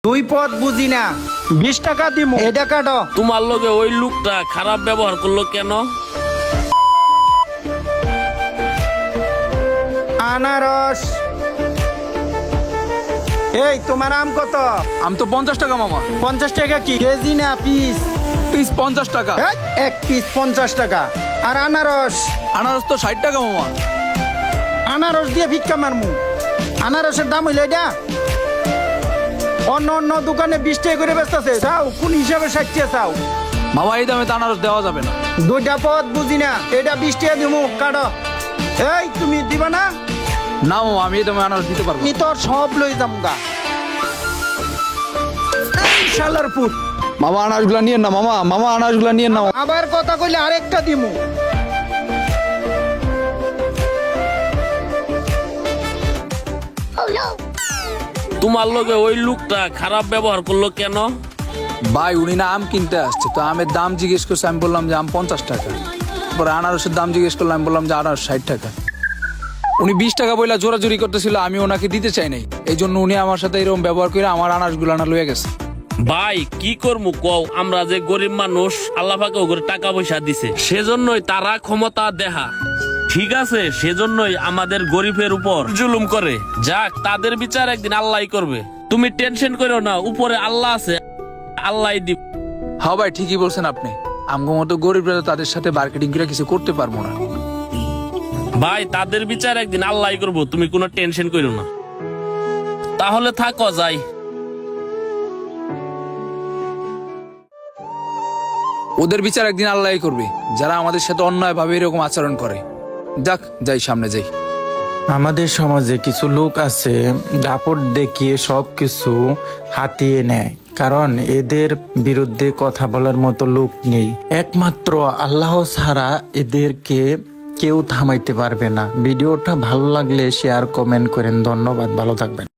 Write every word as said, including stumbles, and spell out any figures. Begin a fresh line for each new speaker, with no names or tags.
দুই পথ বুঝি না, বিশ টাকা দিমু, এটা কাটো।
তোমার লগে ওই লোকটা খারাপ ব্যবহার করলো কেন?
আনারস। এই তোমার আম কত?
আম তো পঞ্চাশ টাকা মামা।
পঞ্চাশ টাকা কি কেজি না পিস?
পিস পঞ্চাশ টাকা।
এই, এক পিস পঞ্চাশ টাকা। আর আনারস?
আনারস তো ষাট টাকা মামা।
আনারস দিয়ে ভিক্ষা মারমু? আনারসের দাম হইলে এটা? অন্য অন্য দোকানে বিশ টাকা করে বেচতেছে, চাও কোন হিসাবে ষাট টাকা চাও?
মামা এই দামে তো আনারস দেওয়া যাবে না।
দুইটা পথ বুঝি না, এটা বিশ টাকা দিমু, কাটো। এই তুমি দিবা না?
না মামা, আমি এই দামে আনারস দিতে পারবো
আমি
না।
তোর সব লই যামগা। এই শালার পুত,
মামা আনারসগুলা নিয়েন না মামা, মামা আনারসগুলা নিয়েন না।
আবার কথা কইলে আরেকটা দিমু।
তোমার লগে ওই লোকটা খারাপ ব্যবহার করলো কেন?
ভাই উনি না আম কিনতে আসছে, তো আমের দাম জিজ্ঞেস করছে, আমি বললাম যে আম পঞ্চাশ টাকা। পরে আনারসের দাম জিজ্ঞেস করলাম, আমি বললাম যে আনারস ষাট টাকা। উনি বিশ টাকা বইলা জোরাজুরি করতেছিল, আমি ওনাকে দিতে চাই নাই, এই জন্য উনি আমার সাথে এরকম ব্যবহার করে আমার আনারসগুলা না লয়ে গেছে।
ভাই কি করবো কও, আমরা যে গরিব মানুষ, আল্লাহ পাকে ওগুলো টাকা পয়সা দিছে, সেজন্যই তারা ক্ষমতা দেখা। ঠিক আছে, সেজন্যই আমাদের গরিবের উপর জুলুম করে। যাক, তাদের বিচার একদিন আল্লাহই করবে, তুমি টেনশন করো না, উপরে আল্লাহ আছে, আল্লাহই দিব।
হ্যাঁ ভাই ঠিকই বলছেন আপনি, আমগো মতো গরিবরা তো তাদের সাথে মার্কেটিং করে কিছু করতে পারবো না।
ভাই তাদের বিচার একদিন আল্লাহই করবো, তুমি কোনো টেনশন করো না। তাহলে থাকো, যাই।
ওদের বিচার একদিন আল্লাহই করবে, যারা আমাদের সাথে অন্যায় ভাবে এরকম আচরণ করে। যাক, যাই, সামনে যাই।
আমাদের সমাজে কিছু লোক আছে দাপট দেখিয়ে সব কিছু হাতিয়ে নেয়, কারণ এদের বিরুদ্ধে কথা বলার মতো লোক নেই। একমাত্র আল্লাহ ছাড়া এদেরকে কেউ থামাইতে পারবে না। ভিডিওটা ভালো লাগলে শেয়ার কমেন্ট করেন। ধন্যবাদ, ভালো থাকবেন।